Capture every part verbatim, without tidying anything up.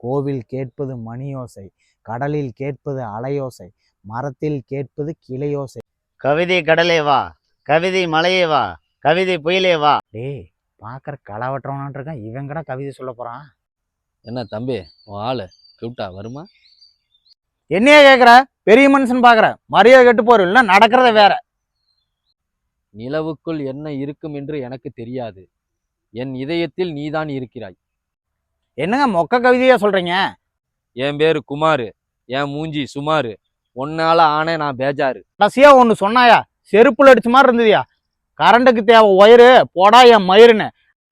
கோவில் கேட்பது மணியோசை, கடலில் கேட்பது அலையோசை, மரத்தில் கேட்பது கிளையோசை. கவிதை கடலே வா, கவிதை மலையே வா, கவிதை புயலே வா. டேய், பார்க்குற களவற்றவனான் இருக்கான், இவன் கூட கவிதை சொல்ல போகிறான். என்ன தம்பி உன் ஆளு கியூட்டா வருமா? என்னையே கேட்குற? பெரிய மனுஷன் பார்க்குற மரியாதை கெட்டு போற, இல்லை நடக்கிறத வேற. நிலவுக்குள் என்ன இருக்கும் என்று எனக்கு தெரியாது, என் இதயத்தில் நீதான் இருக்கிறாய். என்னங்க மொக்க கவிதையா சொல்றீங்க? என் பேரு குமாரு, என் மூஞ்சி சுமாரு, ஒன்னால ஆனே நான் பேஜாரு. கடைசியா ஒன்று சொன்னாயா, செருப்புல அடிச்ச மாதிரி இருந்ததுயா. கரண்டுக்கு தேவை ஒயரு, போடா என் மயிருன்னு.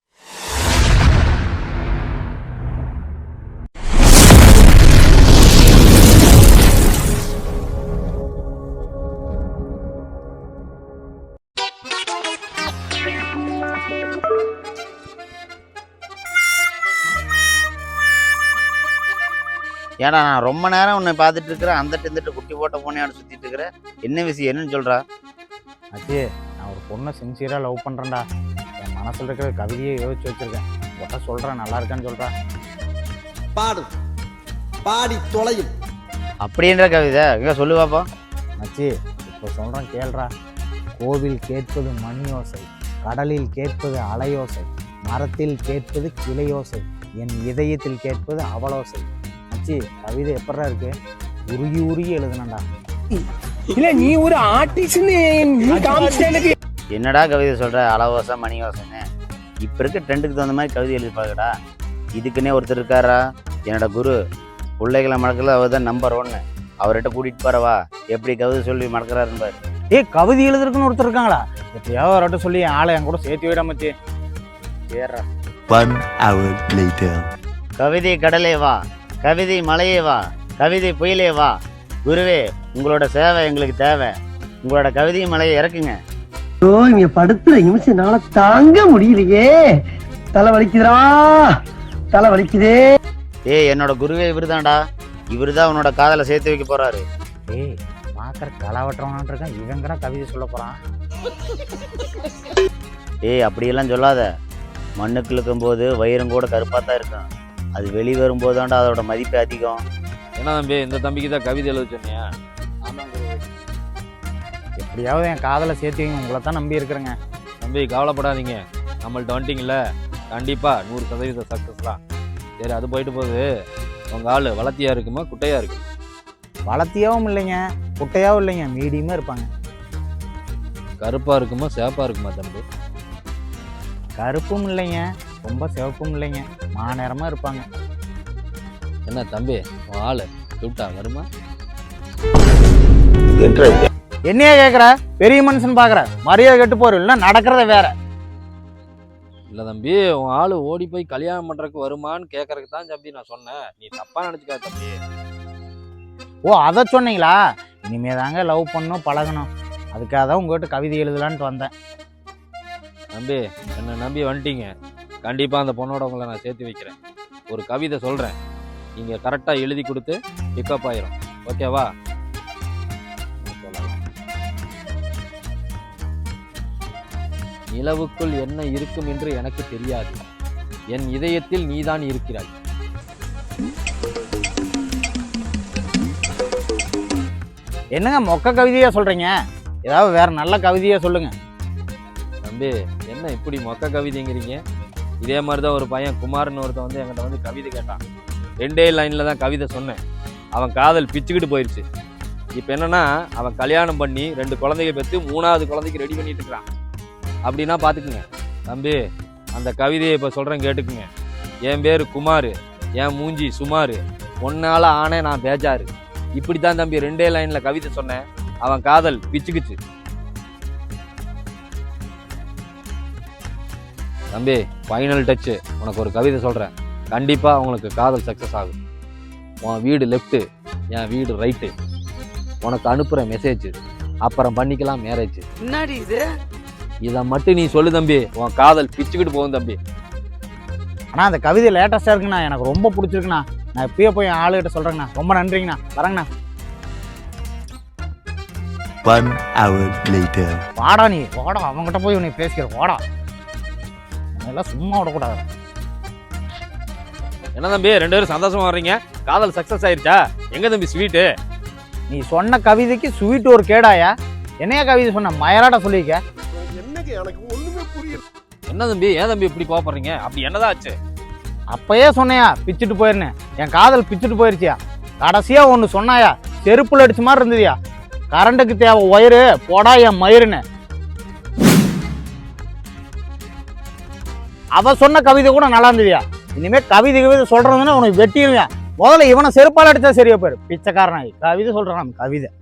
ஏடா நான் ரொம்ப நேரம் உன்னை பார்த்துட்டு இருக்கிறேன், அந்த இருந்துட்டு குட்டி போட்ட போனையாடு சுற்றிட்டு இருக்கிறேன். என்ன விஷயம், என்னன்னு சொல்கிறா? அச்சே, நான் ஒரு பொண்ணை சின்சியராக லவ் பண்ணுறேன்டா. என் மனசில் இருக்கிற கவிதையை யோசிச்சு வச்சுருக்கேன். ஒட்ட சொல்கிறேன், நல்லா இருக்கான்னு சொல்கிறா. பாடும் பாடி தொலையும் அப்படின்ற கவிதை எங்கே சொல்லு பாப்பா. மச்சி, இப்போ சொல்கிறேன் கேள்றா. கோவில் கேட்பது மணியோசை, கடலில் கேட்பது அலையோசை, மரத்தில் கேட்பது கிளையோசை, என் இதயத்தில் கேட்பது அவலோசை. மச்சி, கவிதை எப்படா இருக்கு? உருகி உருகி எழுதுனண்டா. இல்ல நீ ஒரு ஆர்டிஸ்ட்னு எனக்கு. என்னடா கவிதை சொல்கிற? அளவோசை மணியோசைன்னு இப்போ இருக்க ட்ரெண்டுக்கு தகுந்த மாதிரி கவிதை எழுதி பாருங்கடா. இதுக்குன்னே ஒருத்தர் இருக்காரா, என்னோட குரு. பிள்ளைகளை மடக்கல அவர் தான் நம்பர் ஒன்று. அவர்கிட்ட கூட்டிகிட்டு போறவா, எப்படி கவிதை சொல்லி மடக்கிறாருன்னு பாரு. ஏ, கவிதை எழுதுறதுக்குன்னு ஒருத்தர் இருக்காங்களா? எப்பயாவது அவர்கிட்ட சொல்லி என் ஆளை என் கூட சேர்த்து விட மச்சி. ஏறா. One hour later. கவிதை கடலே வா, கவிதை மலையே வா, கவிதை புயலே வா. குருவே, உங்களோட சேவை எங்களுக்கு தேவை. உங்களோட கவிதை மலையை இறக்குங்க. ஓ, இங்க படுத்துற நிமிஷம்னால தாங்க முடியலையே. தலை வலிக்குதுடா, தலை வலிக்குதே. ஏய், என்னோட குருவே இவருதான்டா. இவருதான் உன்னோட காதலை சேர்த்து வைக்க போறாரு. ஏய், பார்க்குற களவற்றவனான் இருக்கான், இவன் கூட கவிதை சொல்ல போகிறான். ஏய், அப்படியெல்லாம் சொல்லாத. மண்ணுக்கு இழுக்கும் போது வயிறும் கூட கருப்பாக தான் இருக்கும். அது வெளி வரும்போதாண்டா அதோட மதிப்பு அதிகம். என்ன தம்பி, இந்த தம்பிக்கு தான் கவிதை எழுத சொன்னியா? எப்படியாவது என் காதலை சேர்த்து வைங்க, உங்களை தான் நம்பி இருக்கிறேங்க. தம்பி கவலைப்படாதீங்க, நம்மள்ட்ட வந்துட்டிங்கல்ல, கண்டிப்பாக நூறு சதவீதம் சக்ஸஸ் தான். சரி, அது போயிட்டு போகுது. உங்கள் ஆள் வளர்த்தியா இருக்குமா குட்டையா இருக்கு? வளர்த்தியாவும் இல்லைங்க, குட்டையாவும் இல்லைங்க, மீடியமாக இருப்பாங்க. கருப்பாக இருக்குமா சேப்பாக இருக்குமா தம்பி? கருப்பும் இல்லைங்க, ரொம்ப சிவப்பும் இல்லைங்க, மாநேரமாக இருப்பாங்க. என்ன தம்பி உன் ஆள் கியூட்டா வருமா? என்னையே கேட்குற? பெரிய மனுஷன் பார்க்குற மரியாதை கெட்டு போற, இல்லை நடக்கிறத வேற. இல்லை தம்பி, உன் ஆள் ஓடி போய் கல்யாணம் பண்ணுறதுக்கு வருமான்னு கேட்கறதுக்கு தான் தம்பி நான் சொன்னேன். நீ தப்பாக நினச்சிக்காத தம்பி. ஓ, அதை சொன்னீங்களா? இனிமே தாங்க லவ் பண்ணணும், பழகணும். அதுக்காக தான் உங்கள்கிட்ட கவிதை எழுதலான்ட்டு வந்தேன். தம்பி, என்னை நம்பி வந்துட்டீங்க, கண்டிப்பாக அந்த பொண்ணோட உங்களை நான் சேர்த்து வைக்கிறேன். ஒரு கவிதை சொல்கிறேன், நீங்கள் கரெக்டாக எழுதி கொடுத்து பிக்கப் ஆயிரும். ஓகேவா? நிலவுக்குள் என்ன இருக்கும் என்று எனக்கு தெரியாது, என் இதயத்தில் நீதான் இருக்கிறாய். என்னங்க மொக்க கவிதையா சொல்றீங்க? ஏதாவது வேற நல்ல கவிதையா சொல்லுங்க. தம்பி, என்ன இப்படி மொக்க கவிதைங்கிறீங்க? இதே மாதிரி தான் ஒரு பையன் குமார்னு ஒருத்தன் வந்து என்கிட்ட வந்து கவிதை கேட்டான். ரெண்டே லைனில் தான் கவிதை சொன்னேன். அவன் காதல் பிச்சுக்கிட்டு போயிடுச்சு. இப்போ என்னன்னா, அவன் கல்யாணம் பண்ணி ரெண்டு குழந்தைங்க பெற்று மூணாவது குழந்தைக்கு ரெடி பண்ணிட்டு இருக்கிறான். அப்படின்னா பார்த்துக்குங்க. தம்பி, அந்த கவிதையை இப்போ சொல்கிறேன் கேட்டுக்குங்க. என் பேர் குமார், என் மூஞ்சி சுமார், ஒன்னால ஆனே நான் பேஜாரு. இப்படி தான் தம்பி ரெண்டே லைனில் கவிதை சொன்னேன். அவன் காதல் பிச்சுக்குச்சு. தம்பி, ஃபைனல் டச்சு, உனக்கு ஒரு கவிதை சொல்கிறேன். கண்டிப்பாக உங்களுக்கு காதல் சக்ஸஸ் ஆகும். உன் வீடு லெஃப்ட்டு, என் வீடு ரைட்டு. உனக்கு அனுப்புகிற மெசேஜ், அப்புறம் பண்ணிக்கலாம் மேரேஜ். என்னடி இது? இதை மட்டும் நீ சொல்லு தம்பி, உன் காதல் பிச்சுக்கிட்டு போகும் தம்பி. ஆனால் அந்த கவிதை லேட்டஸ்ட்டாக இருக்குண்ணா, எனக்கு ரொம்ப பிடிச்சிருக்குண்ணா. நான் இப்பயே போய் என் ஆளுகிட்ட சொல்கிறேங்கண்ணா. ரொம்ப நன்றிங்கண்ணா, வரேங்கண்ணா. One hour later. வாடா நீ, வாடா, அவங்ககிட்ட போய் உன்னை பேசிக்கிற, வாடா. அதெல்லாம் சும்மா விடக்கூடாது. என்ன தம்பி ரெண்டு பேரும் சந்தோஷமா வர்றீங்க? காதல் சக்சஸ் ஆயிருச்சா? எங்க தம்பி ஸ்வீட்டு? நீ சொன்ன கவிதைக்கு ஸ்வீட் ஒரு கேடாயா? என்னையா கவிதை சொன்ன மயராட சொல்லிக்க. என்னங்க எனக்கு ஒண்ணுமே புரியல. என்ன தம்பி ஏன் தம்பி இப்படி கோபப்படுறீங்க? அப்படி என்னதான் ஆச்சு? அப்பயே சொன்னையா பிச்சுட்டு போயிருந்தேன், என் காதல் பிச்சுட்டு போயிருச்சியா. கடைசியா ஒன்று சொன்னாயா, செருப்புல அடிச்ச மாதிரி இருந்ததுயா. கரண்ட்டுக்கு தேவை ஒயரு போடா என் மயிருன்னு. அவ சொன்ன கவிதை கூட நல்லா இருந்ததுயா. இனிமே கவிதை கவிதை சொல்றதுன்னா உனக்கு வெட்டிடுவேன். முதல்ல இவனை செருப்பால் அடிச்சா சரியா போயிரு. பிச்சைக்காரனாய் கவிதை சொல்றான் கவிதை.